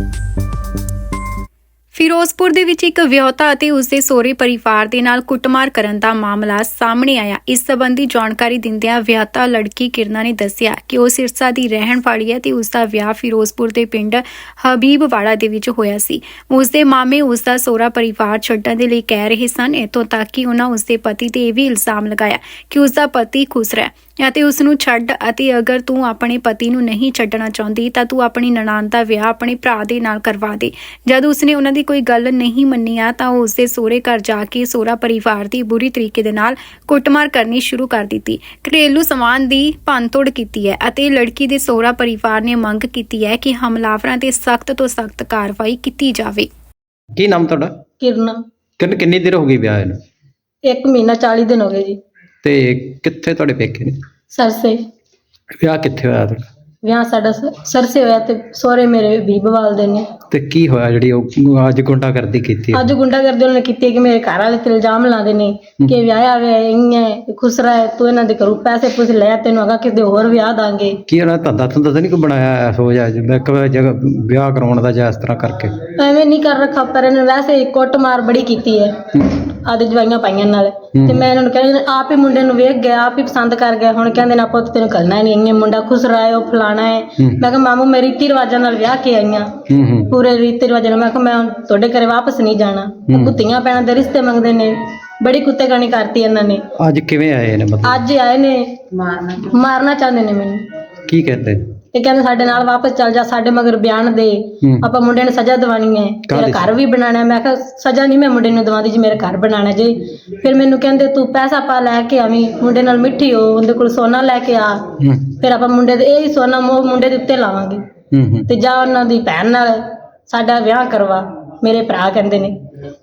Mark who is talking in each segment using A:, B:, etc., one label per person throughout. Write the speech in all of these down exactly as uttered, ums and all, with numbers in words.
A: ਫਿਰੋਜ਼ਪੁਰ ਦੇ ਵਿੱਚ ਇੱਕ ਵਿਆਹੁਤਾ ਅਤੇ ਉਸਦੇ ਸਹੁਰੇ ਪਰਿਵਾਰ ਦੇ ਨਾਲ ਕੁੱਟਮਾਰ ਕਰਨ ਦਾ ਮਾਮਲਾ ਸਾਹਮਣੇ ਆਇਆ। ਇਸ ਸੰਬੰਧੀ ਜਾਣਕਾਰੀ ਦਿੰਦਿਆਂ ਵਿਆਹੁਤਾ ਲੜਕੀ ਕਿਰਨਾ ਨੇ ਦੱਸਿਆ ਕਿ ਉਹ ਸਿਰਸਾ ਦੀ ਰਹਿਣ ਵਾਲੀ ਹੈ ਤੇ ਉਸਦਾ ਵਿਆਹ ਫਿਰੋਜ਼ਪੁਰ ਦੇ ਪਿੰਡ ਹਬੀਬਵਾੜਾ ਦੇ ਵਿੱਚ ਹੋਇਆ ਸੀ। ਉਸਦੇ ਮਾਮੇ ਉਸਦਾ ਸਹੁਰਾ ਪਰਿਵਾਰ ਛੱਡਣ ਦੇ ਲਈ ਕਹਿ ਰਹੇ ਸਨ। ਇੱਥੋਂ ਤੱਕ ਕਿ ਉਹਨਾਂ ਉਸਦੇ ਪਤੀ ਤੇ ਇਹ ਵੀ ਇਲਜ਼ਾਮ ਲਗਾਇਆ ਕਿ ਉਸਦਾ ਪਤੀ ਖੁਸ਼ ਰਿਹਾ ਅਤੇ ਉਸ ਨੂੰ ਛੱਡ ਅਤੇ ਅਗਰ ਤੂੰ ਆਪਣੇ ਪਤੀ ਨੂੰ ਨਹੀਂ ਛੱਡਣਾ ਚਾਹੁੰਦੀ ਤਾਂ ਤੂੰ ਆਪਣੀ ਨਨਾਣ ਦਾ ਵਿਆਹ ਆਪਣੇ ਭਰਾ ਦੇ ਨਾਲ ਕਰਵਾ ਦੇ। ਜਦ ਉਸਨੇ ਉਹਨਾਂ ਦੀ ਕੋਈ ਗੱਲ ਨਹੀਂ ਮੰਨੀ ਆ ਤਾਂ ਉਹ ਉਸਦੇ ਸਹੁਰੇ ਘਰ ਜਾ ਕੇ ਸਹੁਰਾ ਪਰਿਵਾਰ ਦੀ ਬੁਰੀ ਤਰੀਕੇ ਦੇ ਨਾਲ ਕੁੱਟਮਾਰ ਕਰਨੀ ਸ਼ੁਰੂ ਕਰ ਦਿੱਤੀ। ਘਰੇਲੂ ਸਮਾਨ ਦੀ ਭੰਨਤੋੜ ਕੀਤੀ ਹੈ ਅਤੇ ਲੜਕੀ ਦੇ ਸਹੁਰਾ ਪਰਿਵਾਰ ਨੇ ਮੰਗ ਕੀਤੀ ਹੈ ਕਿ ਹਮਲਾਵਰਾਂ ਤੇ ਸਖਤ ਤੋਂ ਸਖਤ ਕਾਰਵਾਈ ਕੀਤੀ ਜਾਵੇ।
B: ਕੀ ਨਾਮ ਤੁਹਾਡਾ?
C: ਕਿਰਨਾ।
B: ਕਿੰਨ ਕਿੰਨੀ ਦੇਰ ਹੋ ਗਈ ਵਿਆਹ ਨੂੰ?
C: ਇੱਕ ਮਹੀਨਾ ਚਾਲੀ ਦਿਨ ਹੋ ਗਏ ਜੀ।
B: ਤੇ ਕਿੱਥੇ ਤੁਹਾਡੇ ਪੇਕੇ ਨੇ?
C: ਸਰਸੇ।
B: ਵਿਆਹ ਕਿੱਥੇ ਹੋਇਆ ਤੁਹਾਡਾ?
C: ਵਿਆਹ ਸਾਡਾ ਸ- ਸਰਸੇ ਹੋਇਆ ਤੇ ਸਹੁਰੇ ਮੇਰੇ ਬੀਬਵਾਲ ਦੇ ਨੇ।
B: ਤੇ ਕੀ ਹੋਇਆ ਜਿਹੜੀ ਉਹ ਅੱਜ ਗੁੰਡਾਗਰਦੀ ਕੀਤੀ?
C: ਅੱਜ ਗੁੰਡਾਗਰਦੀ ਉਹਨਾਂ ਨੇ ਕੀਤੀ ਹੈ ਕਿ ਮੇਰੇ ਘਰ ਵਾਲੇ ਤੇ ਇਲਜ਼ਾਮ ਲਾਉਂਦੇ ਨੇ ਕਿ ਵਿਆਹਿਆ ਹੋਇਆ ਇੰਨੇ ਖੁਸਰਾ ਹੈ, ਤੂੰ ਇਹਨਾਂ ਦੇ ਘਰੋਂ ਪੈਸੇ ਪੁੱਛ ਲੈ, ਤੈਨੂੰ ਅਗਾ ਕਿਸੇ ਹੋਰ ਵਿਆਹ ਦਾਂਗੇ।
B: ਕੀ ਉਹਨਾਂ ਧੰਦਾ ਧੰਦਾ ਤਾਂ ਨਹੀਂ ਕੋਈ ਬਣਾਇਆ ਸੋਚ ਆ ਜਿਵੇਂ ਇੱਕ ਜਗ੍ਹਾ ਵਿਆਹ ਕਰਾਉਣ ਦਾ ਜਾਂ ਇਸ ਤਰ੍ਹਾਂ ਕਰਕੇ?
C: ਐਵੇਂ ਨਹੀਂ ਕਰ ਰੱਖਾ, ਪਰ ਇਹਨੇ ਵੈਸੇ ਹੀ ਕੁੱਟਮਾਰ ਬੜੀ ਕੀਤੀ ਹੈ ਆਦੇ ਜਵਾਈਆਂ ਪਾਈਆਂ ਨਾਲ। ਤੇ ਮੈਂ ਇਹਨਾਂ ਨੂੰ ਕਹਿੰਦੀ ਆਪ ਹੀ ਮੁੰਡੇ ਨੂੰ ਵੇਖ ਗਿਆ, ਆਪ ਹੀ ਪਸੰਦ ਕਰ ਗਿਆ। ਹੁਣ ਕਹਿੰਦੇ ਨਾ ਪੁੱਤ ਤੈਨੂੰ ਕਰਨਾ ਨਹੀਂ, ਇੰਨੇ ਮੁੰਡਾ ਖੁਸਰਾ ਹੈ, ਉਹ ਫਲਾਣਾ ਹੈ। ਮੈਂ ਕਿਹਾ ਮਾਮੂ ਮੈਂ ਰੀਤੀ ਰਿਵਾਜਾਂ ਨਾਲ ਵਿਆਹ ਕੇ ਆਈਆਂ, ਪੂਰੇ ਰੀਤੀ ਰਿਵਾਜਾਂ ਨਾਲ। ਮੈਂ ਕਿਹਾ ਮੈਂ ਤੁਹਾਡੇ ਘਰੇ ਵਾਪਸ ਨਹੀਂ ਜਾਣਾ। ਕੁੱਤੀਆਂ ਪੈਣਾ ਦੇ ਰਿਸ਼ਤੇ ਮੰਗਦੇ ਨੇ, ਬੜੀ ਕੁੱਤੇ ਕਾਣੀ ਕਰਤੀ ਇਹਨਾਂ ਨੇ।
B: ਅੱਜ ਕਿਵੇਂ ਆਏ ਨੇ? ਮਤਲਬ
C: ਅੱਜ ਆਏ ਨੇ ਮਾਰਨਾ ਮਾਰਨਾ ਚਾਹੁੰਦੇ ਨੇ ਮੈਨੂੰ।
B: ਕੀ ਕਹਿੰਦੇ?
C: ਇਹ ਕਹਿੰਦੇ ਸਾਡੇ ਨਾਲ ਵਾਪਸ ਚੱਲ ਜਾ, ਸਾਡੇ ਮਗਰ ਬਿਆਨ ਦੇ, ਆਪਾਂ ਮੁੰਡੇ ਨੂੰ ਸਜ਼ਾ ਦਿਵਾਣੀ ਹੈ, ਤੇਰਾ ਘਰ ਵੀ ਬਣਾਣਾ। ਮੈਂ ਕਿਹਾ ਸਜ਼ਾ ਨਹੀਂ ਮੈਂ ਮੁੰਡੇ ਨੂੰ ਦਵਾਉਂਦੀ ਜੀ, ਮੇਰਾ ਘਰ ਬਣਾਣਾ ਜੀ। ਫਿਰ ਮੈਨੂੰ ਕਹਿੰਦੇ ਤੂੰ ਪੈਸਾ ਪਾ ਲੈ ਕੇ ਆਵੀਂ, ਮੁੰਡੇ ਨਾਲ ਮਿੱਠੀ ਹੋ, ਉਹਦੇ ਕੋਲ ਸੋਨਾ ਲੈ ਕੇ ਆ, ਫਿਰ ਆਪਾਂ ਮੁੰਡੇ ਦੇ ਇਹ ਹੀ ਸੋਨਾ ਮੋਹ ਮੁੰਡੇ ਦੇ ਉੱਤੇ ਲਾਵਾਂਗੇ ਤੇ ਜਾ ਉਹਨਾਂ ਦੀ ਭੈਣ ਨਾਲ ਸਾਡਾ ਵਿਆਹ ਕਰਵਾ। ਮੇਰੇ ਭਰਾ ਕਹਿੰਦੇ ਨੇ।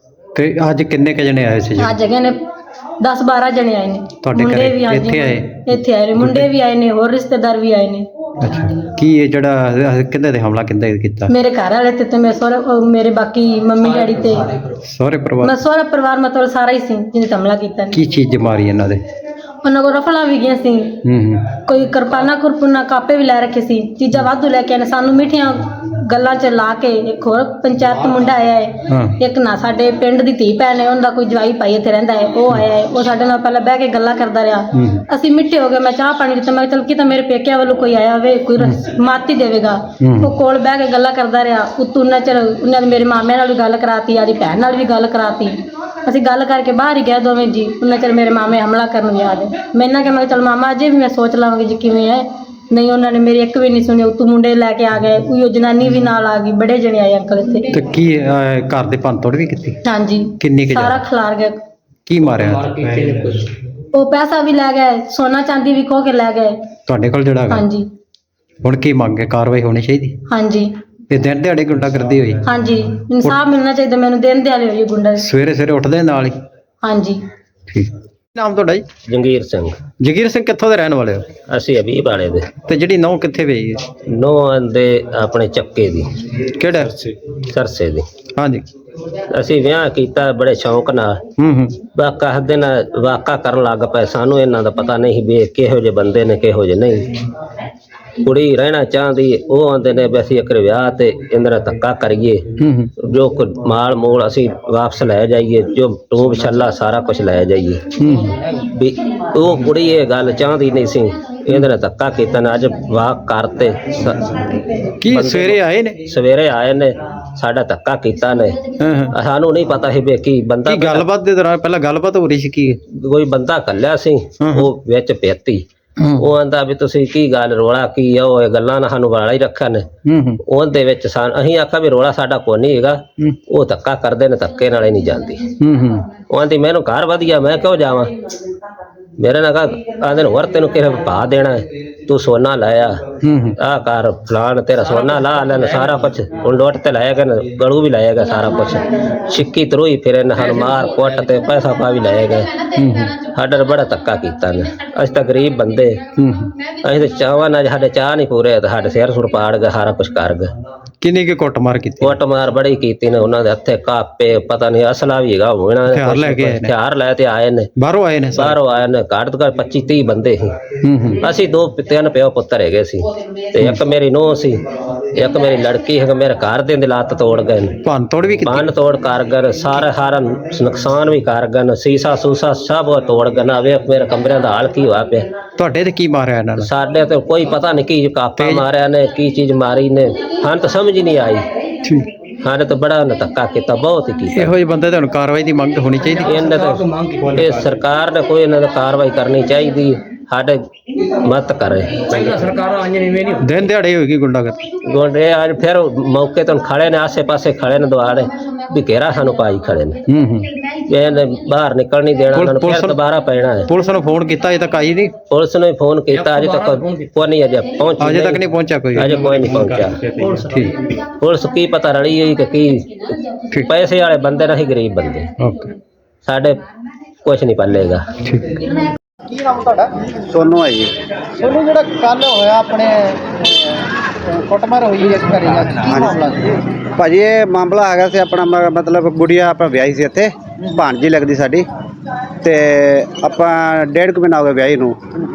B: ਤੇ ਅੱਜ ਕਿੰਨੇ ਕ ਜਣੇ ਆਏ ਸੀ?
C: ਅੱਜ ਹੈਗੇ ਨੇ ਦਸ ਬਾਰਾਂ ਜਣੇ ਆਏ ਨੇ।
B: ਤੁਹਾਡੇ
C: ਮੁੰਡੇ
B: ਘਰੇ
C: ਵੀ ਹਾਂਜੀ
B: ਇੱਥੇ ਆਏ?
C: ਇੱਥੇ ਆਏ ਨੇ, ਮੁੰਡੇ ਵੀ ਆਏ ਨੇ, ਹੋਰ ਰਿਸ਼ਤੇਦਾਰ ਵੀ ਆਏ ਨੇ।
B: ਅੱਛਾ, ਕੀ ਇਹ ਜਿਹੜਾ ਕਿੰਨੇ ਤੇ ਹਮਲਾ ਕਿੰਨੇ ਕੀਤਾ?
C: ਮੇਰੇ ਘਰ ਵਾਲੇ ਤੇ ਤੇ ਮੇਰੇ ਸਹੁਰੇ ਉਹ ਮੇਰੇ ਬਾਕੀ ਮੰਮੀ ਡੈਡੀ ਤੇ
B: ਸਹੁਰੇ ਪਰਿਵਾਰ?
C: ਮੈਂ ਸਹੁਰਾ ਪਰਿਵਾਰ ਮਤਲਬ ਸਾਰਾ ਹੀ ਸੀ ਜਿਹਨੇ ਹਮਲਾ ਕੀਤਾ ਨੇ।
B: ਕੀ ਚੀਜ਼ ਮਾਰੀ ਇਹਨਾਂ ਦੇ?
C: ਉਹਨਾਂ ਕੋਲ ਰਫਲਾਂ ਵੀ ਗਈਆਂ ਸੀ,
B: ਹੂੰ ਹੂੰ
C: ਕੋਈ ਕਿਰਪਾਨਾ ਕੁਰਪੁਨਾ ਕਾਪੇ ਵੀ ਲੈ ਰੱਖੇ ਸੀ, ਚੀਜ਼ਾਂ ਵਾਧੂ ਲੈ ਕੇ ਆਏ ਨੇ। ਸਾਨੂੰ ਮਿੱਠੀਆਂ ਗੱਲਾਂ 'ਚ ਲਾ ਕੇ ਇੱਕ ਹੋਰ ਪੰਚਾਇਤ ਮੁੰਡਾ ਆਇਆ ਹੈ,
B: ਹਾਂ
C: ਇੱਕ ਨਾ ਸਾਡੇ ਪਿੰਡ ਦੀ ਧੀ ਭੈਣ ਹੈ, ਉਹਦਾ ਕੋਈ ਜਵਾਈ ਭਾਈ ਇੱਥੇ ਰਹਿੰਦਾ ਹੈ, ਉਹ ਆਇਆ ਹੈ। ਉਹ ਸਾਡੇ ਨਾਲ ਪਹਿਲਾਂ ਬਹਿ ਕੇ ਗੱਲਾਂ ਕਰਦਾ ਰਿਹਾ।
B: ਹੂੰ
C: ਅਸੀਂ ਮਿੱਠੇ ਹੋ ਗਏ। ਮੈਂ ਚਾਹ ਪਾਣੀ ਦਿੱਤਾ। ਮੈਂ ਕਿਹਾ ਚੱਲ ਕੀ ਤਾਂ ਮੇਰੇ ਪੇਕਿਆਂ ਵੱਲੋਂ ਕੋਈ ਆਇਆ ਹੋਵੇ, ਕੋਈ ਮਾਤੀ ਦੇਵੇਗਾ।
B: ਹੂੰ।
C: ਉਹ ਕੋਲ ਬਹਿ ਕੇ ਗੱਲਾਂ ਕਰਦਾ ਰਿਹਾ। ਉਤੋਂ ਉਹਨਾਂ ਚਿਰ ਉਹਨਾਂ ਨੇ ਮੇਰੇ ਮਾਮੇ ਨਾਲ ਵੀ ਗੱਲ ਕਰਾਤੀ, ਆਦੀ ਭੈਣ ਨਾਲ ਵੀ ਗੱਲ ਕਰਾਤੀ। ਅਸੀਂ ਗੱਲ ਕਰਕੇ ਬਾਹਰ ਹੀ ਗਏ ਦੋਵੇਂ ਜੀ। ਉਹਨਾਂ ਚਿਰ ਮੇਰੇ ਮਾਮੇ ਹਮਲਾ ਕਰਨ ਗਿਆ ਦੇ। ਮੈਂ ਇਹਨਾਂ ਕਿਹਾ ਮੈਂ ਕਿਹਾ ਚੱਲ ਮਾਮਾ ਅਜੇ ਵੀ ਮੈਂ ਸੋਚ ਲਵਾਂਗੀ ਜੀ ਕਿਵੇਂ ਹੈ। ਨਹੀਂ ਉਹਨਾਂ ਨੇ ਮੇਰੀ ਇੱਕ ਵੀ ਨਹੀਂ ਸੁਣੀ। ਉਤੋਂ ਮੁੰਡੇ ਲੈ ਕੇ ਆ ਗਏ, ਉਹ ਜਨਾਨੀ ਵੀ ਨਾਲ ਆ ਗਈ, ਬੜੇ ਜਣੇ ਆਏ ਅੰਕਲ ਇੱਥੇ।
B: ਤੇ ਕੀ ਅਹ, ਘਰ ਦੇ ਭੰਨਤੋੜ ਵੀ ਕੀਤੀ?
C: ਹਾਂਜੀ
B: ਕਿੰਨੀ ਕੁ
C: ਸਾਰਾ
B: ਜ਼ਿਆਦਾ?
C: ਖਿਲਾਰ ਗਿਆ।
B: ਕੀ ਮਾਰਿਆ?
C: ਉਹ ਪੈਸਾ ਵੀ ਲੈ ਗਏ, ਸੋਨਾ ਚਾਂਦੀ ਵੀ ਖੋ ਕੇ ਲੈ ਗਏ।
B: ਤੁਹਾਡੇ ਕੋਲ ਜਿਹੜਾ ਹੈਗਾ?
C: ਹਾਂਜੀ
B: ਹੁਣ ਕੀ ਮੰਗੇ? ਕਾਰਵਾਈ ਹੋਣੀ ਚਾਹੀਦੀ?
C: ਹਾਂਜੀ
B: ਇਹ ਦਿਨ ਦਿਹਾੜੇ ਗੁੰਡਾਗਰਦੀ ਹੋਈ?
C: ਹਾਂਜੀ ਇਨਸਾਫ ਮਿਲਣਾ ਚਾਹੀਦਾ ਮੈਨੂੰ। ਦਿਨ ਦਿਹਾੜੇ ਹੋਈ ਗੁੰਡਾ।
B: ਸਵੇਰੇ ਸਵੇਰੇ ਉੱਠਦੇ ਨਾਲ ਹੀ?
C: ਹਾਂਜੀ।
B: ਠੀਕ। ਨਾਮ ਤੁਹਾਡਾ ਜੀ?
D: ਜੰਗੀਰ ਸਿੰਘ।
B: ਜਗੀਰ ਸਿੰਘ ਕਿੱਥੋਂ ਦੇ ਰਹਿਣ ਵਾਲੇ ਹੋ?
D: ਅਸੀਂ ਅਬੀਬ ਵਾਲੇ ਦੇ।
B: ਤੇ ਜਿਹੜੀ ਨਹੁੰ ਕਿੱਥੇ ਪਈ ਹੈ?
D: ਨੌਂ ਦੇ ਆਪਣੇ ਚੱਕੇ ਦੀ,
B: ਕਿਹੜਾ?
D: ਸਰਸੇ ਦੀ।
B: ਹਾਂਜੀ।
D: ਅਸੀਂ ਵਿਆਹ ਕੀਤਾ ਬੜੇ ਸ਼ੌਂਕ ਨਾਲ।
B: ਹੂੰ ਹੂੰ
D: ਵਾਕਾ ਹੱਦੇ ਨਾਲ ਵਾਕਾ ਕਰਨ ਲੱਗ ਪਏ। ਸਾਨੂੰ ਇਹਨਾਂ ਦਾ ਪਤਾ ਨਹੀਂ ਵੀ ਇਹ ਕਿਹੋ ਜਿਹੇ ਬੰਦੇ ਨੇ ਕਿਹੋ ਜਿਹੇ ਨਹੀਂ। ਕੁੜੀ ਰਹਿਣਾ ਚਾਹੁੰਦੀ, ਉਹ ਆਉਂਦੇ ਨੇ ਵੀ ਅਸੀਂ ਇੱਕ ਵਿਆਹ ਤੇ ਇਹਨਾਂ ਦਾ ਧੱਕਾ ਕਰੀਏ,
B: ਹੂੰ ਹੂੰ
D: ਜੋ ਕੁ ਮਾਲ ਮੂਲ ਅਸੀਂ ਵਾਪਸ ਲੈ ਜਾਈਏ, ਜੋ ਟੂਬ ਛੱਲਾ ਸਾਰਾ ਕੁਝ ਲੈ ਜਾਈਏ।
B: ਹੂੰ।
D: ਵੀ ਉਹ ਕੁੜੀ ਇਹ ਗੱਲ ਚਾਹੁੰਦੀ ਨਹੀਂ ਸੀ। ਇਹਨਾਂ ਨੇ ਧੱਕਾ ਕੀਤਾ ਨੇ। ਅੱਜ ਵਾਕ ਕਰਤੇ ਸ-
B: ਕੀ ਸਵੇਰੇ ਆਏ ਨੇ?
D: ਸਵੇਰੇ ਆਏ ਨੇ, ਸਾਡਾ ਧੱਕਾ ਕੀਤਾ ਨੇ।
B: ਹਾਂ ਹਾਂ।
D: ਸਾਨੂੰ ਨਹੀਂ ਪਤਾ ਸੀ ਵੀ ਕੀ ਬੰਦਾ
B: ਕੀ ਗੱਲਬਾਤ ਦੇ ਦੌਰਾਨ ਪਹਿਲਾਂ ਗੱਲਬਾਤ ਹੋ ਰਹੀ ਸੀ? ਕੀ
D: ਕੋਈ ਬੰਦਾ ਕੱਲਿਆ ਸੀ, ਉਹ ਵਿੱਚ ਪੇਤੀ। ਉਹ ਆਂਦਾ ਵੀ ਤੁਸੀਂ ਕੀ ਗੱਲ, ਰੋਲਾ ਕੀ ਆ? ਉਹ ਇਹ ਗੱਲਾਂ ਨਾਲ ਸਾਨੂੰ ਵਾਲਾ ਹੀ ਰੱਖਿਆ ਨੇ।
B: ਹੂੰ ਹੂੰ
D: ਉਹਦੇ ਵਿੱਚ ਸਾਨੂੰ ਅਸੀਂ ਆਖਿਆ ਵੀ ਰੋਲਾ ਸਾਡਾ ਕੋਈ ਨਹੀਂ ਹੈਗਾ। ਉਹ ਧੱਕਾ ਕਰਦੇ ਨੇ, ਧੱਕੇ ਨਾਲ ਹੀ ਨਹੀਂ ਜਾਂਦੀ।
B: ਹੂੰ ਹੂੰ
D: ਉਹ ਆਂਦੀ ਮੈਨੂੰ ਘਰ ਵਧੀਆ, ਮੈਂ ਕਿਉਂ ਜਾਵਾਂ? ਮੇਰੇ ਨਾਲ ਕਹਾ ਆਂਦੇ ਨੂੰ ਹੋਰ ਤੈਨੂੰ ਕਿਸੇ ਪਾ ਦੇਣਾ ਹੈ, ਤੂੰ ਸੋਨਾ ਲਾਇਆ
B: ਹੂੰ ਹੂੰ
D: ਆ ਕਰ ਫਲਾਣ ਤੇਰਾ ਸੋਨਾ ਲਾ ਲੈਣ ਸਾਰਾ ਕੁਛ। ਹੁਣ ਲੋਟ ਤੇ ਲਾਏਗਾ ਨਾ, ਗਲੂ ਵੀ ਲਾਏਗਾ ਸਾਰਾ ਕੁਛ। ਛਿੱਕੀ ਤਰੋਈ ਫਿਰ ਇਹਨਾਂ ਸਾਨੂੰ ਮਾਰ ਕੁੱਟ ਤੇ ਪੈਸਾ ਪਾ ਵੀ ਲਾਏਗਾ। ਸਾਡਾ ਬੜਾ ਧੱਕਾ ਕੀਤਾ ਨੇ। ਅਸੀਂ ਤਾਂ ਗਰੀਬ ਬੰਦੇ,
B: ਹੂੰ।
D: ਅਸੀਂ ਤਾਂ ਚਾਹਵਾਂ ਨਾਲ ਸਾਡੇ ਚਾਹ ਨਹੀਂ ਪੂਰੇ ਤੇ ਸਾਡੇ ਸਿਰ ਸੁਰ ਪਾੜ ਗਏ, ਸਾਰਾ ਕੁਛ ਕਰ ਗਏ।
B: ਕਿੰਨੀ ਕੁ ਕੁੱਟਮਾਰ ਕੀਤੀ?
D: ਕੁੱਟ ਮਾਰ ਬੜੀ ਕੀਤੀ ਨੇ। ਉਹਨਾਂ ਦੇ ਹੱਥੇ ਕਾਪੇ, ਪਤਾ ਨਹੀਂ ਅਸਲਾ ਵੀ ਹੈਗਾ ਹੋਣਾ।
B: ਹਥਿਆਰ ਲੈ ਕੇ ਆਏ ਨੇ?
D: ਹਥਿਆਰ ਲੈ ਤੇ ਆਏ ਨੇ,
B: ਬਾਹਰੋਂ ਆਏ ਨੇ ਸਾਰੇ?
D: ਬਾਹਰੋਂ ਆਏ ਨੇ। ਘੱਟ ਤੋਂ ਘੱਟ ਪੱਚੀ ਤੀਹ ਬੰਦੇ ਸੀ।
B: ਹੂੰ ਹੂੰ
D: ਅਸੀਂ ਦੋ ਤਿੰਨ ਤਿੰਨ ਪਿਓ ਪੁੱਤਰ ਹੈਗੇ ਸੀ ਤੇ ਇੱਕ ਮੇਰੀ ਨੂੰਹ ਸੀ, ਇੱਕ ਮੇਰੀ ਲੜਕੀ ਹੈ। ਮੇਰੇ ਘਰ ਦੇ ਲੱਤ ਤੋੜ ਗਏ ਨੇ,
B: ਭੰਨ ਤੋੜ ਵੀ ਕੀਤੀ?
D: ਭੰਨ ਤੋੜ ਕਰ ਗਏ ਸਾਰੇ, ਸਾਰਾ ਨੁਕਸਾਨ ਵੀ ਕਰ ਗਏ ਨੇ, ਸੀਸਾ ਸੂਸਾ ਸਭ ਉਹ ਤੋੜ ਗਏ ਨਾ। ਵੇਖ ਮੇਰੇ ਕਮਰਿਆਂ ਦਾ ਹਾਲ ਕੀ ਹੋਇਆ ਪਿਆ।
B: ਤੁਹਾਡੇ ਤੇ ਕੀ ਮਾਰਿਆ ਇਹਨਾਂ ਨੇ?
D: ਸਾਡੇ ਤੇ ਕੋਈ ਪਤਾ ਨਹੀਂ ਕੀ ਕਾਪਾ ਮਾਰਿਆ ਨੇ, ਕੀ ਚੀਜ਼ ਮਾਰੀ ਨੇ, ਹਾਂ ਤਾਂ ਸਮਝ ਹੀ ਨਹੀਂ ਆਈ।
B: ਠੀਕ।
D: ਸਾਡੇ ਤਾਂ ਬੜਾ ਉਹਨੇ ਧੱਕਾ ਕੀਤਾ, ਬਹੁਤ ਹੀ ਕੀਤਾ।
B: ਇਹੋ ਜਿਹੇ ਬੰਦੇ ਤੇ ਹੁਣ ਕਾਰਵਾਈ ਦੀ ਮੰਗ ਹੋਣੀ ਚਾਹੀਦੀ।
D: ਇਹਨਾਂ ਤਾਂ ਇਹ ਸਰਕਾਰ ਨੇ ਕੋਈ ਇਹਨਾਂ ਦੀ ਕਾਰਵਾਈ ਕਰਨੀ ਚਾਹੀਦੀ, ਸਾਡੇ ਮਤ ਕਰੇ।
B: ਦਿਨ ਦਿਹਾੜੇ ਹੋਏਗੀ ਗੁੰਡਾਗਰਦੀ।
D: ਗੋਡੇ ਅੱਜ ਫਿਰ ਮੌਕੇ ਤੋਂ ਖੜੇ ਨੇ, ਆਸੇ ਪਾਸੇ ਖੜੇ ਨੇ, ਦੁਆਰੇ ਵੀ ਘੇਰਾ ਸਾਨੂੰ ਪਾਈ ਖੜੇ ਨੇ।
B: ਹੂੰ ਹੂੰ।
D: ਇਹਨੇ ਬਾਹਰ ਨਿਕਲ ਨਹੀਂ ਦੇਣਾ, ਉਹਨਾਂ ਨੂੰ ਫਿਰ ਦੁਬਾਰਾ ਪੈਣਾ ਹੈ।
B: ਪੁਲਿਸ ਨੂੰ ਫੋਨ ਕੀਤਾ, ਅਜੇ ਤੱਕ ਆਈ ਨਹੀਂ?
D: ਪੁਲਿਸ ਨੇ ਫੋਨ ਕੀਤਾ, ਅਜੇ ਤੱਕ ਕੋਈ ਨਹੀਂ ਅਜੇ ਪਹੁੰਚੀ,
B: ਅਜੇ ਤੱਕ ਨਹੀਂ ਪਹੁੰਚਿਆ ਕੋਈ?
D: ਅਜੇ ਕੋਈ ਨਹੀਂ ਪਹੁੰਚਿਆ।
B: ਠੀਕ।
D: ਪੁਲਿਸ ਕੀ ਪਤਾ ਰਲੀ ਹੋਈ ਕਿ ਕੀ, ਪੈਸੇ ਵਾਲੇ ਬੰਦੇ ਨਹੀਂ, ਗਰੀਬ ਬੰਦੇ।
B: ਓਕੇ।
D: ਸਾਡੇ ਕੁਝ ਨਹੀਂ ਪੱਲੇਗਾ।
B: ਠੀਕ।
E: ਕੀ ਨਾਮ ਤੁਹਾਡਾ?
F: ਸੋਨੂੰ ਹੈ ਜੀ।
E: ਸੋਨੂੰ, ਜਿਹੜਾ ਕੱਲ ਹੋਇਆ ਆਪਣੇ ਅਹ, ਕੁੱਟਮਾਰ ਹੋਈ ਇਸ ਘਰੇ ਜਾ ਕੇ, ਕੀ ਮਾਮਲਾ ਸੀ?
F: ਭਾਜੀ ਇਹ ਮਾਮਲਾ ਹੈਗਾ ਸੀ ਆਪਣਾ ਮ- ਮਤਲਬ ਗੁੜੀਆ ਆਪਾਂ ਵਿਆਹੀ ਸੀ ਇੱਥੇ, ਭਾਣਜੀ ਲੱਗਦੀ ਸਾਡੀ, ਤੇ ਆਪਾਂ ਡੇਢ ਕੁ ਮਹੀਨਾ ਹੋ ਗਿਆ ਵਿਆਹੀ ਨੂੰ।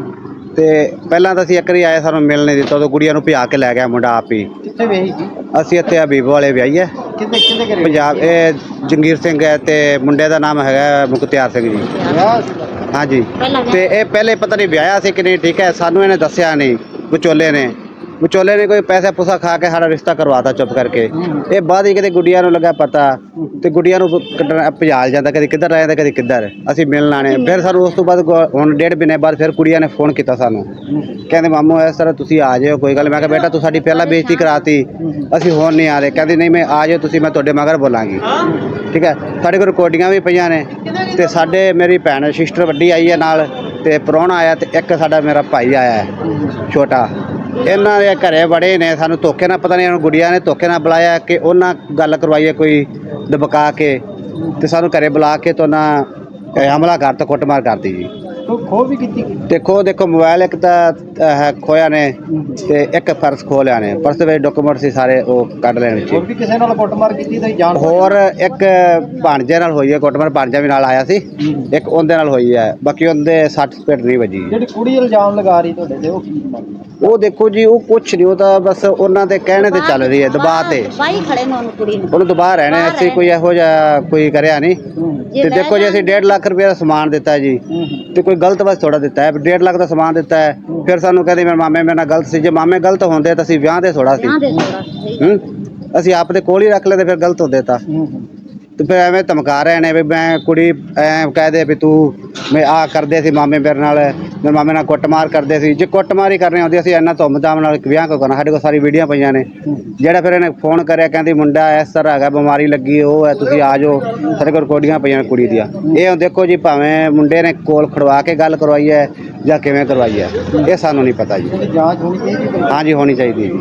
F: ਤੇ ਪਹਿਲਾਂ ਤਾਂ ਅਸੀਂ ਇੱਕ ਵਾਰੀ ਆਏ, ਸਾਨੂੰ ਮਿਲ ਨਹੀਂ ਦਿੱਤਾ, ਉਦੋਂ ਗੁੜੀਆ ਨੂੰ ਭਜਾ ਕੇ ਲੈ ਗਿਆ ਮੁੰਡਾ ਆਪ ਹੀ।
E: ਕਿੱਥੇ ਵੇਹੀ ਸੀ?
F: ਅਸੀਂ ਇੱਥੇ ਹਬੀਬ ਵਾਲੇ ਵਿਆਹੀ ਹੈ
E: ਕਿੱਥੇ ਕਿੱਥੇ ਘਰੇ
F: ਪੰਜਾਬ। ਇਹ ਜੰਗੀਰ ਸਿੰਘ ਹੈ ਤੇ ਮੁੰਡੇ ਦਾ ਨਾਮ ਹੈਗਾ ਮੁਖਤਿਆਰ ਸਿੰਘ ਜੀ।
E: ਵਿਆਹ ਸੀ?
F: ਹਾਂਜੀ। ਤੇ ਇਹ ਪਹਿਲੇ ਪਤਾ ਨਹੀਂ ਵਿਆਹਿਆ ਸੀ ਕਿ ਨਹੀਂ, ਠੀਕ ਹੈ, ਸਾਨੂੰ ਇਹਨੇ ਦੱਸਿਆ ਨਹੀਂ। ਵਿਚੋਲੇ ਨੇ ਵਿਚੋਲੇ ਨੇ ਕੋਈ ਪੈਸਾ ਪੂਸਾ ਖਾ ਕੇ ਸਾਡਾ ਰਿਸ਼ਤਾ ਕਰਵਾਤਾ ਚੁੱਪ ਕਰਕੇ। ਇਹ ਬਾਅਦ ਹੀ ਕਿਤੇ ਗੁੱਡੀਆਂ ਨੂੰ ਲੱਗਾ ਪਤਾ, ਤੇ ਗੁੱਡੀਆਂ ਨੂੰ ਕੱਢਣ ਭਜਾਲ ਜਾਂਦਾ, ਕਦੇ ਕਿੱਧਰ ਰਹਿ ਜਾਂਦਾ, ਕਦੇ ਕਿੱਧਰ। ਅਸੀਂ ਮਿਲਣ ਆਣੇ, ਫਿਰ ਸਾਨੂੰ ਉਸ ਤੋਂ ਬਾਅਦ ਗੋ- ਹੁਣ ਡੇਢ ਮਹੀਨੇ ਬਾਅਦ ਫਿਰ ਕੁੜੀਆਂ ਨੇ ਫੋਨ ਕੀਤਾ ਸਾਨੂੰ, ਕਹਿੰਦੇ ਮਾਮੂ ਇਸ ਤਰ੍ਹਾਂ ਤੁਸੀਂ ਆ ਜਾਓ, ਕੋਈ ਗੱਲ। ਮੈਂ ਕਿਹਾ ਬੇਟਾ ਤੂੰ ਸਾਡੀ ਪਹਿਲਾਂ ਬੇਇੱਜ਼ਤੀ ਕਰਾਤੀ, ਅਸੀਂ ਹੁਣ ਨਹੀਂ ਆ ਰਹੇ। ਕਹਿੰਦੀ ਨਹੀਂ ਮੈਂ ਆ ਜਾਓ ਤੁਸੀਂ, ਮੈਂ ਤੁਹਾਡੇ ਮਗਰ ਬੋਲਾਂਗੀ। ਠੀਕ ਹੈ, ਸਾਡੇ ਕੋਲ ਰਿਕਾਰਡਿੰਗਾਂ ਵੀ ਪਈਆਂ ਨੇ। ਤੇ ਸਾਡੇ ਮੇਰੀ ਭੈਣ ਸਿਸਟਰ ਵੱਡੀ ਆਈ ਹੈ ਨਾਲ, ਤੇ ਪ੍ਰਾਹੁਣਾ ਆਇਆ, ਤੇ ਇੱਕ ਸਾਡਾ ਮੇਰਾ ਭਾਈ ਆਇਆ ਹੈ ਛੋਟਾ। ਇਹਨਾਂ ਦੇ ਘਰੇ ਬੜੇ ਨੇ, ਸਾਨੂੰ ਧੋਖੇ ਨਾਲ, ਪਤਾ ਨਹੀਂ ਇਹਨਾਂ ਗੁੜੀਆਂ ਨੇ ਧੋਖੇ ਨਾਲ ਬੁਲਾਇਆ ਕਿ ਉਹਨਾਂ ਗੱਲ ਕਰਵਾਈ ਹੈ ਕੋਈ ਦਬਕਾ ਕੇ, ਤੇ ਸਾਨੂੰ ਘਰੇ ਬੁਲਾ ਕੇ ਤੋਂ ਨਾ ਹਮਲਾ ਕਰ ਤਾ, ਕੁੱਟਮਾਰ ਕਰਤੀ ਜੀ।
E: ਕੋਈ ਖੋਹ ਵੀ ਕੀਤੀ?
F: ਦੇਖੋ ਦੇਖੋ ਮੋਬਾਈਲ ਇੱਕ ਤਾਂ ਹੈ ਖੋਇਆ ਨੇ, ਤੇ ਇੱਕ ਪਰਸ ਖੋਹ ਲਿਆ ਨੇ। ਪਰਸ ਵਿੱਚ ਡਾਕੂਮੈਂਟ ਸੀ ਸਾਰੇ, ਉਹ ਕੱਢ ਲੈਣ ਵਿੱਚ।
E: ਹੋਰ ਵੀ ਕਿਸੇ ਨਾਲ ਕੁੱਟਮਾਰ ਕੀਤੀ ਤੁਸੀਂ ਜਾਣ?
F: ਹੋਰ ਇੱਕ ਭਾਣਜੇ ਨਾਲ ਹੋਈ ਹੈ ਕੁੱਟਮਾਰ, ਭਾਣਜਾ ਵੀ ਨਾਲ ਆਇਆ ਸੀ, ਇੱਕ ਉਹਦੇ ਨਾਲ ਹੋਈ ਹੈ। ਬਾਕੀ ਉਹਦੇ ਸੱਟ ਸਪੇਟ ਨਹੀਂ ਵੱਜੀ।
E: ਜਿਹੜੀ ਕੁੜੀ ਇਲਜ਼ਾਮ ਲਗਾ ਰਹੀ ਤੁਹਾਡੇ ਤੇ, ਉਹ ਕੀ ਮਾਮਲਾ?
F: ਉਹ ਦੇਖੋ ਜੀ, ਉਹ ਕੁਛ ਨਹੀਂ, ਉਹ ਤਾਂ ਬਸ ਉਹਨਾਂ ਦੇ ਕਹਿਣੇ ਤੇ ਚੱਲ ਰਹੀ ਹੈ, ਦਬਾਅ ਤੇ।
G: ਬਾਈ ਖੜੇ ਨੇ ਉਹਨੂੰ ਕੁੜੀ ਨੂੰ।
F: ਉਹਨੂੰ ਦਬਾਅ ਰਹਿਣੇ, ਅਸੀਂ ਕੋਈ ਇਹੋ ਜਿਹਾ ਕੋਈ ਕਰਿਆ ਨਹੀਂ। ਤੇ ਦੇਖੋ ਜੀ, ਅਸੀਂ ਡੇਢ ਲੱਖ ਰੁਪਏ ਦਾ ਸਮਾਨ ਦਿੱਤਾ ਜੀ, ਤੇ ਕੋਈ ਗਲਤ ਬਸ ਥੋੜਾ ਦਿੱਤਾ ਹੈ। ਡੇਢ ਲੱਖ ਦਾ ਸਮਾਨ ਦਿੱਤਾ ਹੈ, ਫਿਰ ਸਾਨੂੰ ਕਹਿੰਦੇ ਮੇਰੇ ਮਾਮੇ ਮੇਰੇ ਨਾਲ ਗਲਤ ਸੀ। ਜੇ ਮਾਮੇ ਗਲਤ ਹੁੰਦੇ ਤਾਂ ਅਸੀਂ ਵਿਆਹ ਦੇ ਥੋੜਾ ਸੀ,
G: ਵਿਆਹ ਦੇ ਥੋੜਾ ਸਹੀ।
F: ਹੂੰ, ਅਸੀਂ ਆਪ ਦੇ ਕੋਲ ਹੀ ਰੱਖ ਲੈਂਦੇ, ਫਿਰ ਗਲਤ ਹੁੰਦੇ ਤਾਂ। ਤੇ ਫਿਰ ਐਵੇਂ ਧਮਕਾ ਰਹੇ ਨੇ ਵੀ ਮੈਂ ਕੁੜੀ ਐ ਕਹਦੇ ਵੀ ਤੂੰ ਮੈਂ ਆ ਕਰਦੇ ਸੀ ਮਾਮੇ ਮੇਰੇ ਨਾਲ, ਮੇਰੇ ਮਾਮੇ ਨਾਲ ਕੁੱਟਮਾਰ ਕਰਦੇ ਸੀ। ਜੇ ਕੁੱਟਮਾਰ ਹੀ ਕਰਨੀ ਹੁੰਦੀ ਅਸੀਂ ਇੰਨਾ ਧੁੰਮ-ਧਾਮ ਨਾਲ ਵਿਆਹ ਕਿਉਂ ਕਰਨਾ? ਸਾਡੇ ਕੋਲ ਸਾਰੀ ਵੀਡੀਓ ਪਈਆਂ ਨੇ। ਜਿਹੜਾ ਫਿਰ ਇਹਨੇ ਫੋਨ ਕਰਿਆ, ਕਹਿੰਦੀ ਮੁੰਡਾ ਇਸ ਤਰ੍ਹਾਂ ਹੈਗਾ, ਬਿਮਾਰੀ ਲੱਗੀ, ਉਹ ਹੈ, ਤੁਸੀਂ ਆ ਜਾਓ। ਸਾਡੇ ਕੋਲ ਰਿਕਾਰਡਿੰਗਾਂ ਪਈਆਂ ਨੇ ਕੁੜੀ ਦੀਆਂ। ਇਹ ਹੁਣ ਦੇਖੋ ਜੀ, ਭਾਵੇਂ ਮੁੰਡੇ ਨੇ ਕੋਲ ਖੜਵਾ ਕੇ ਗੱਲ ਕਰਵਾਈ ਹੈ ਜਾਂ ਕਿਵੇਂ ਕਰਵਾਈ ਹੈ, ਇਹ ਸਾਨੂੰ ਨਹੀਂ ਪਤਾ ਜੀ।
E: ਇਹਦੀ ਜਾਂਚ ਹੋਣੀ ਚਾਹੀਦੀ,
F: ਹਾਂਜੀ ਹੋਣੀ ਚਾਹੀਦੀ ਹੈ ਜੀ,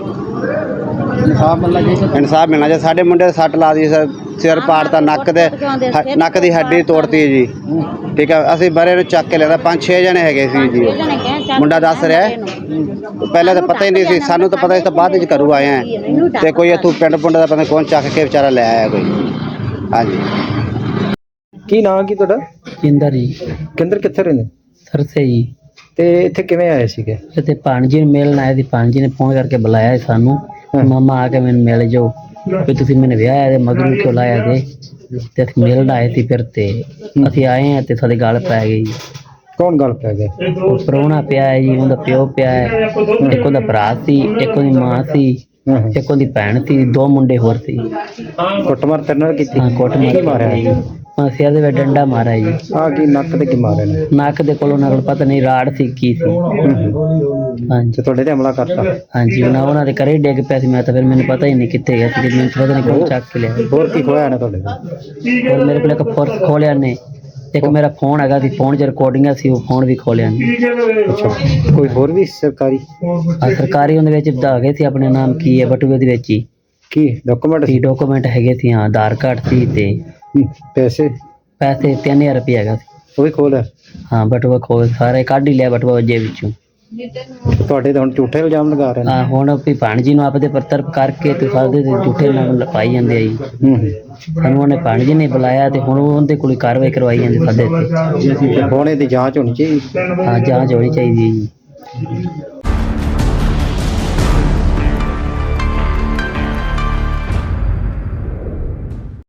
E: ਇਨਸਾਫ ਮਿਲਣਾ ਚਾਹੀਦਾ।
F: ਇਨਸਾਫ ਮਿਲਣਾ ਚਾਹੀਦਾ। ਸਾਡੇ ਮੁੰਡੇ ਦੇ ਸੱਟ ਲਾ ਦੀ, ਸਿਰ ਪਾੜਤਾ, ਨੱਕ ਦੇ ਹ- ਨੱਕ ਦੀ ਹੱਡੀ ਤੋੜਤੀ ਜੀ। ਠੀਕ ਹੈ, ਅਸੀਂ ਬਰੇ ਨੂੰ ਚੱਕ ਕੇ ਲਿਆਂਦਾ, ਪੰਜ ਛੇ ਜਣੇ ਹੈਗੇ ਸੀ ਜੀ। ਮੁੰਡਾ ਦੱਸ ਰਿਹਾ ਪਹਿਲਾਂ ਤਾਂ ਪਤਾ ਹੀ ਨਹੀਂ ਸੀ, ਸਾਨੂੰ ਤਾਂ ਪਤਾ ਸੀ ਤਾਂ ਬਾਅਦ ਵਿੱਚ ਘਰੋਂ ਆਏ ਆ। ਤੇ ਕੋਈ ਇੱਥੋਂ ਪਿੰਡ ਪੁੰਡ ਦਾ ਪਤਾ ਕੌਣ ਚੱਕ ਕੇ ਵਿਚਾਰਾ ਲੈ ਆਇਆ ਕੋਈ। ਹਾਂਜੀ।
B: ਕੀ ਨਾਂ ਕੀ ਤੁਹਾਡਾ?
H: ਇੰਦਰ ਜੀ,
B: ਕਿੰਦਰ ਕਿੱਥੇ ਰਹਿੰਦੇ?
H: ਸਰਸੇ ਜੀ।
B: ਤੇ ਇੱਥੇ ਕਿਵੇਂ ਆਏ ਸੀਗੇ?
H: ਤੇ ਭਾਣਜੀ ਨੂੰ ਮਿਲਣ ਆਏ ਸੀ। ਭਾਣਜੀ ਨੇ ਫੋਨ ਕਰਕੇ ਬੁਲਾਇਆ ਸੀ ਸਾਨੂੰ, ਮਾਮਾ ਆ ਕੇ ਮੈਨੂੰ ਮਿਲ ਜਾਓ, ਵੀ ਤੁਸੀਂ ਮੈਨੂੰ ਵਿਆਹ ਤੇ ਮਗਰੂ ਕਿਉਂ ਲਾਇਆ ਦੇ। ਤੇ ਅਸੀਂ ਮਿਲਣ ਆਏ ਸੀ, ਫਿਰ ਤੇ ਅਸੀਂ ਆਏ ਹਾਂ ਤੇ ਸਾਡੇ ਗੱਲ ਪੈ ਗਈ।
B: ਕੌਣ ਗੱਲ ਪੈ ਗਿਆ?
H: ਉਹ ਪ੍ਰਾਹੁਣਾ ਪਿਆ ਹੈ ਜੀ, ਉਹਦਾ ਪਿਓ ਪਿਆ ਹੈ, ਇੱਕ ਉਹਦਾ ਭਰਾ ਸੀ, ਇੱਕ ਉਹਦੀ ਮਾਂ ਸੀ, ਇੱਕ ਉਹਦੀ ਭੈਣ ਸੀ, ਦੋ ਮੁੰਡੇ ਹੋਰ ਸੀ।
B: ਕੁੱਟਮਾਰ ਤੇਰੇ ਨਾਲ ਕੀਤੀ?
H: ਹਾਂ, ਕੁੱਟ
B: ਕੀ ਮਾਰਿਆ
H: ਜੀ, ਹਾਂ, ਸਿਰ ਦੇ ਵਿੱਚ ਡੰਡਾ ਮਾਰਿਆ ਜੀ।
B: ਆ ਕੀ ਨੱਕ ਤੇ ਕੀ ਮਾਰਿਆ ਨੇ?
H: ਨੱਕ ਦੇ ਕੋਲ ਉਹਨਾਂ ਕੋਲ ਪਤਾ ਨਹੀਂ ਰਾੜ ਸੀ ਕੀ ਸੀ। ਹਾਂਜੀ
B: ਤੇ ਤੁਹਾਡੇ ਤੇ ਹਮਲਾ ਕਰਤਾ?
H: ਹਾਂਜੀ, ਉਹਨਾਂ ਉਹਨਾਂ ਦੇ ਘਰੇ ਹੀ ਡਿੱਗ ਪਿਆ ਸੀ। ਮੈਂ ਤਾਂ ਫਿਰ ਮੈਨੂੰ ਪਤਾ ਹੀ ਨਹੀਂ ਕਿੱਥੇ ਗਿਆ ਸੀ, ਮੈਨੂੰ ਪਤਾ ਨਹੀਂ ਕੌਣ ਚੱਕ ਕੇ ਲਿਆ।
B: ਹੋਰ ਕੀ ਖੋਇਆ ਨੇ ਤੁਹਾਡੇ ਤੋਂ?
H: ਹੋਰ ਮੇਰੇ ਕੋਲ ਇੱਕ ਪਰਸ ਖੋਲਿਆ ਨੇ, ਇੱਕ ਮੇਰਾ ਫੋਨ ਹੈਗਾ ਸੀ, ਫੋਨ 'ਚ ਰਿਕਾਰਡਿੰਗਾਂ ਸੀ, ਉਹ ਫੋਨ ਵੀ ਖੋਲਿਆ ਨੇ।
B: ਅੱਛਾ, ਕੋਈ ਹੋਰ ਵੀ ਸਰਕਾਰੀ?
H: ਆ ਸਰਕਾਰੀ ਉਹਦੇ ਵਿੱਚ ਵਧਾ ਗਏ ਸੀ, ਆਪਣੇ ਨਾਮ ਕੀ ਹੈ ਬਟੂਏ ਦੇ ਵਿੱਚ ਹੀ
B: ਕੀ ਡਾਕੂਮੈਂਟ
H: ਸੀ,
B: ਸੀ?
H: ਡਾਕੂਮੈਂਟ ਹੈਗੇ ਸੀ, ਹਾਂ, ਆਧਾਰ ਕਾਰਡ ਸੀ ਤੇ
B: ਹੂੰ, ਪੈਸੇ?
H: ਪੈਸੇ ਤਿੰਨ ਹਜ਼ਾਰ ਰੁਪਏ ਹੈਗਾ ਸੀ।
B: ਉਹ ਵੀ ਖੋਲਿਆ?
H: ਹਾਂ, ਬਟੂਆ ਖੋਲ ਸਾਰੇ ਕੱਢ ਹੀ ਲਿਆ ਬਟੂਆ ਜੇ ਵਿੱਚੋਂ।
B: ਤੁਹਾਡੇ ਤਾਂ ਹੁਣ ਝੂਠੇ ਇਲਜ਼ਾਮ ਲਗਾ ਰਹੇ ਨੇ।
H: ਹਾਂ, ਹੁਣ ਵੀ ਭਾਣਜੀ ਨੂੰ ਆਪਦੇ ਪਰਤਰਪ ਕਰਕੇ ਤੇ ਸਾਡੇ ਤੇ ਝੂਠੇ ਨਾਲ ਪਾਈ ਜਾਂਦੇ ਆ ਜੀ।
B: ਹੂੰ ਹੂੰ।
H: ਸਾਨੂੰ ਉਹਨੇ ਭਾਣਜੀ ਨੇ ਬੁਲਾਇਆ ਤੇ ਹੁਣ ਉਹਦੇ ਕੋਲ ਕਾਰਵਾਈ ਕਰਵਾਈ ਜਾਂਦੀ ਸਾਡੇ ਤੇ।
B: ਹੁਣ ਇਹਦੀ ਜਾਂਚ ਹੋਣੀ ਚਾਹੀਦੀ।
H: ਹਾਂ, ਜਾਂਚ ਹੋਣੀ ਚਾਹੀਦੀ ਹੈ ਜੀ।